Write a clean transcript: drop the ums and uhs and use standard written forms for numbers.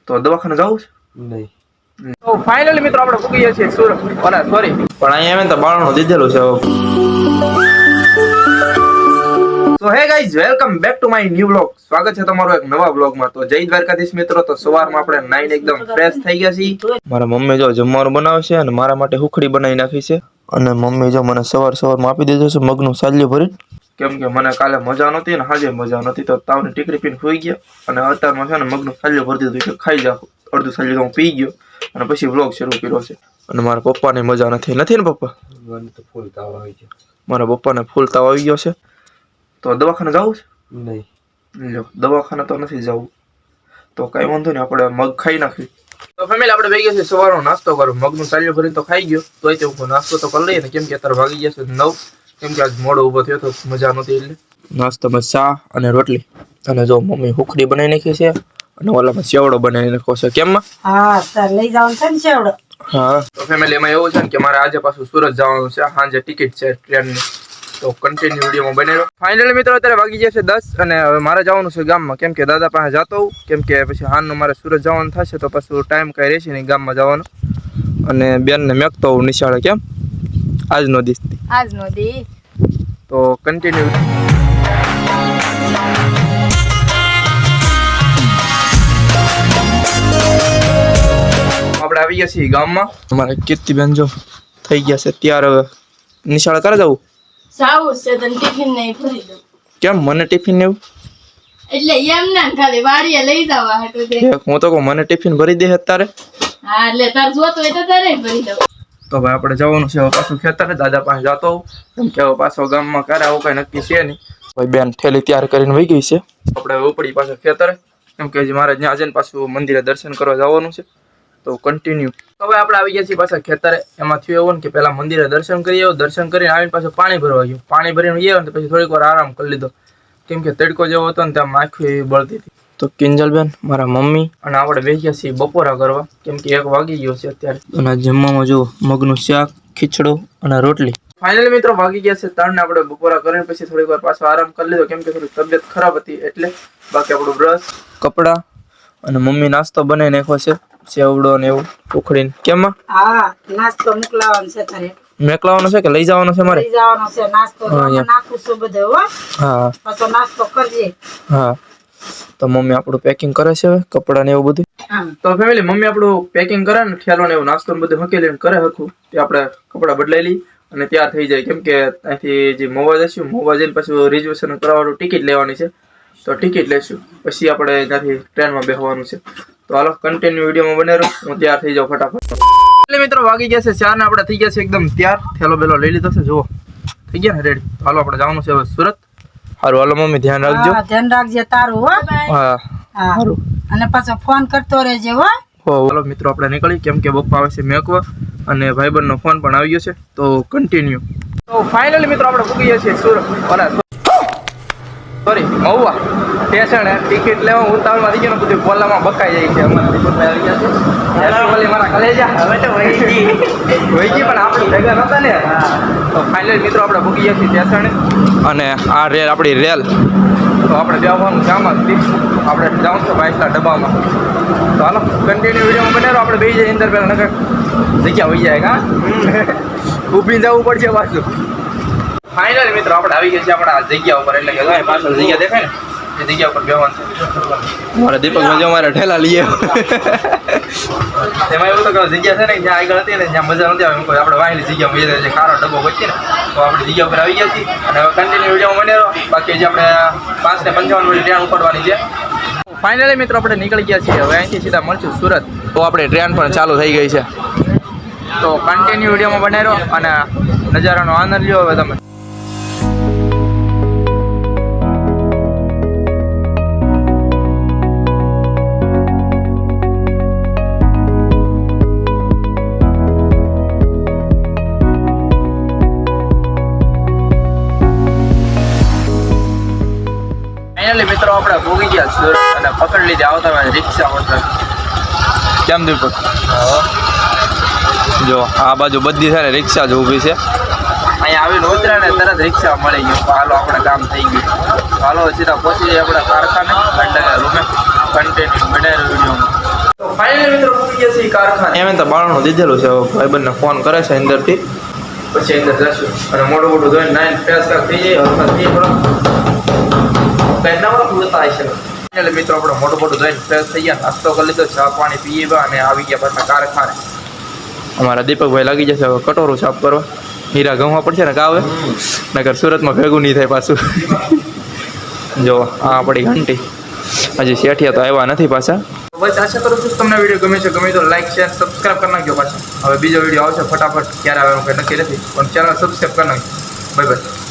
તો દવાખાને જવું છે નહીં. તો ફાઇનલી મિત્રો આપણે પૂગીએ છીએ સુરત સોરી પણ અહીંયા આવે તો બાળનું દીધેલું છે તો hey guys welcome back to my new vlog સ્વાગત છે તમારું એક નવા વ્લોગમાં તો જય દ્વારકાધીશ મિત્રો તો સવારમાં આપણે નાઈને એકદમ ફ્રેશ થઈ ગયા છીએ મારા મમ્મી જો જમવાનું બનાવે છે અને મારા માટે હુખડી બનાવી નાખી છે અને મમ્મી જો મને સવારમાં આપી દીધું છે મગનું સાલ્યું ભરી કેમ કે મને કાલે મજા નહોતી ને આજે મજા નહોતી તો તાવની ટીકડી પીને સુઈ ગયા અને અત્યારમાં છે ને મગનું સાલ્યું ભરી દીધું એટલે ખાઈ જાવ અડધું સાલ્યું હું પી ગયો અને પછી વ્લોગ શરૂ કર્યો છે અને મારા પપ્પાને મજા નથી ને પપ્પા મને તો ફૂલ તાવ આવી ગયો. મારા પપ્પાને ફૂલ તાવ આવી ગયો છે તો દવાખાને જવું છે નહીં. લો દવાખાને તો નથી જવું તો કઈ વાંધો નહીં આપણે મગ ખાઈ નાખી તો ફેમિલી આપણે ભેગી છે સવારનો નાસ્તો કરો મગનું સાલ્યું ભરીને તો ખાઈ ગયો તોય તે હું નાસ્તો તો કરી લઈએ ને કેમ કે અત્યારે વાગી જશે 9 કેમ કે આજ મોડો ઊભો થયો તો મજા નહોતી એટલે નાસ્તામાં ચા અને રોટલી અને જો મમ્મી હુખડી બનાવી નાખી છે અને ઓલામાં સેવડો બનાવી નાખ્યો છે કેમ હા સર લઈ જવાનું છે ને સેવડો હા તો ફેમિલી એમાં એવું છે ને કે મારે આજે પાછું સુરત જવાનું છે સાંજે ટિકિટ છે ટ્રેનની તો કન્ટિન્યુ વિડીયોમાં બને રહો ફાઇનલી મિત્રો અત્યારે વાગી ગયા છે 10 અને હવે મારે જવાનું છે ગામમાં કેમ કે દાદા પાસે જતો હોઉં કેમ કે પછી હાનનું મારે સુરત જવાનું થશે તો પાછું ટાઈમ કાંઈ રહેશે નહીં ગામમાં જવાનો અને બેનને મેકતો હોઉં નિશાળે કેમ આજનો દી તો કન્ટિન્યુ આપણે આવી ગયા છીએ ગામમાં અમારે કીર્તિબેન જો થઈ ગયા છે ત્યારે હવે નિશાળે કરે જવું સાવું છે તને ટિફિન નહીં ભરી દઉં કેમ મને ટિફિન એવું એટલે એમ ના ખાલી વાડીએ લઈ જવા હાટું દે હું તો કહું મને ટિફિન ભરી દે અત્યારે હા એટલે તાર જોતો હોય તો તારે ભરી દઉં તો ભાઈ આપણે જવાનું છે હવે પાછું ખેતરે દાદા પાસે જતો હોઉં કેમ કે હવે પાછો ગામમાં કરે આવું કઈ નક્કી છે નહીં ભાઈ બેન થેલી તૈયાર કરીને વહી ગઈ છે આપણે હવે ઉપડી પાછા ખેતરે કેમ કે મારે ત્યાં જઈને પાછું મંદિરે દર્શન કરવા જવાનું છે તો કન્ટિન્યુ હવે આપણે આવી ગયા છીએ પાછા ખેતરે એમાં થયું એવું ને કે પહેલા મંદિરે દર્શન કરી આવ્યો દર્શન કરીને આવીને પાછું પાણી ભરવા ગયું પાણી ભરીને આવ્યો ને પછી થોડીક વાર આરામ કરી લીધો કેમ કે તડકો જેવો હતો ને ત્યાં માખી એવી બળતી હતી તો કિંજલબેન મારા મમ્મી અને આપણે બેસી ગયા છીએ બપોરા કરવા કેમ કે 1 વાગી ગયો છે અત્યારે અને જમવામાં જો મગનું શાક ખીચડો અને રોટલી ફાઇનલી મિત્રો વાગી ગયા છે 3 ને આપણે બપોરા કરીને પછી થોડીક વાર પાછો આરામ કરી લીધો કેમ કે થોડી તબિયત ખરાબ હતી એટલે બાકી આપણું બ્રશ કપડા અને મમ્મી નાસ્તો બનાવી નાખ્યો છે સેવડો ને એવું ઉખડીને કેમ હા નાસ્તો મોકલાવાનો છે તારે મેકલાવાનો છે કે લઈ જવાનો છે મારે લઈ જવાનો છે નાસ્તો નાખું છું બધું હો હા પાછો નાસ્તો કરજે હા તો મમ્મી આપણું પેકિંગ કરે છે હવે કપડા ને એવું બધું તો ફેમિલી મમ્મી આપણું પેકિંગ કરે ને ઠેલો ને એવું નાસ્તો ને બધું હકી લઈને કરે હરખું તે આપણે કપડા બદલાઈ લઈ અને તૈયાર થઈ જાય કેમ કે ત્યાંથી જે મોવા જઈશું મોવા જઈને પછી રિઝર્વેશન કરવાનું ટિકિટ લેવાની છે તો ટિકિટ લઈશું પછી આપણે ત્યાંથી ટ્રેનમાં બેસવાનું છે તો હાલો કન્ટિન્યુ વિડીયોમાં બને રહો હું તૈયાર થઈ જાઉં ફટાફટ એટલે મિત્રો વાગી ગયા છે 4 ને આપણે થઈ ગયા છે એકદમ તૈયાર થેલો બેલો લઈ લીધો છે જુઓ થઈ ગયા ને રેડી તો હાલો આપણે જવાનું છે હવે સુરત હારું હાલો મમ્મી ધ્યાન રાખજો ધ્યાન રાખજે તારું હો હા હારું અને પાછો ફોન કરતો રહેજે હો હાલો મિત્રો આપણે નીકળી કેમ કે બપ્પા આવે છે મેકવા અને ભાઈબંધનો ફોન પણ આવી ગયો છે તો કન્ટિન્યુ તો ફાઇનલી મિત્રો આપણે પૂગી ગયા છીએ Surat sorry Mahuva station ticket લેવા ઉતાવળમાં થઈ ગયો બધું બોલામાં બકાઈ જાય છે અમારા ટિકિટ આવી ગયા છે બોલી મારા કલેજા હવે તો વહી ગઈ પણ આપણે ભેગા નહોતા ને તો ફાઇનલી મિત્રો આપણે પૂગી ગયા છીએ સ્ટેશન અને આ રેલ આપણી રેલ તો આપણે જવાનું ગામમાં આપણે જાઉં છું બાઇકના ડબ્બામાં તો હાલો કન્ટિન્યુ વિડીયોમાં બને આપણે બે જઈએ અંદર પહેલાં નકર જગ્યા હોઈ જાય હા ઊભી જવું પડશે પાછું ફાઇનલી મિત્રો આપણે આવી ગયા છે આપણા જગ્યા ઉપર એટલે કે પાછળ જગ્યા દેખાય ને એ જગ્યા ઉપર બેહવાનું છે મારા દીપકભાઈ જો મારા ઠેલા લઈએ એમાં એવું તો કે જગ્યા છે ને જ્યાં આગળ હતી ને જ્યાં મજા નથી આવે આપણે વાહેલી જગ્યામાં જઈએ છે ખારો ડબ્બો વચ્ચે ને તો આપણે જગ્યા ઉપર આવી ગયા છીએ અને હવે કન્ટિન્યુ વિડીયોમાં બને રહો બાકી જે આપણે 5:55 વાળી ટ્રેન ઉપડવાની છે ફાઇનલી મિત્રો આપણે નીકળી ગયા છીએ હવે અહીંથી સીધા મળશું સુરત તો આપણે ટ્રેન પણ ચાલુ થઈ ગઈ છે તો કન્ટિન્યુ વિડીયોમાં બને રહો અને નજારાનો આનંદ લ્યો હવે તમે મિત્રો આપણે ભોગી ગયા સુરત અને પકડી લીધી આવતા રિક્ષા ઓર્ડર કેમ દીપક જો આ બાજુ બધી છે ને રિક્ષા જ ઊભી છે અહીંયા આવીને ઉતર્યા ને તરત રિક્ષા મળી ગયું હાલો આપણે કામ થઈ ગયું હાલો સીધા પહોંચી જાય આપણે કારખાને રૂમે કન્ટિન્યુ બનાવી વિડીયોમાં તો કારખાને એમ તો બાળનું દીધેલું છે ભાઈબંધને ફોન કરે છે અંદરથી પછી અંદર જશું અને મોટું મોટું જોઈને નાઈન ફ્રેશ થઈ જાય હરખા થઈ જાય પહેલા પૂરતા છે એટલે મિત્રો આપણે મોટું મોટું જોઈને ફ્રેશ થઈ ગયા નાસ્તો કરી લીધો ચા પાણી પીએ અને આવી ગયા પાછા કારખાને અમારા દીપકભાઈ લાગી જશે હવે કટોરું સાફ કરવા હીરા ગમવા પડશે ને કાવે નકર સુરતમાં ભેગું નહીં થાય પાછું જો આ આપણી ઘંટી હજી શેઠિયા તો આવ્યા નથી પાછા બસ આશા કરું છું તમને વિડીયો ગમે છે ગમે તો લાઈક શેર સબસ્ક્રાઈબ કરી નાખજો પાછા હવે બીજો વિડીયો આવશે ફટાફટ ક્યારે આવે એનું કંઈ નક્કી નથી પણ ચેનલ સબસ્ક્રાઈબ કરી નાખજો બાય બાય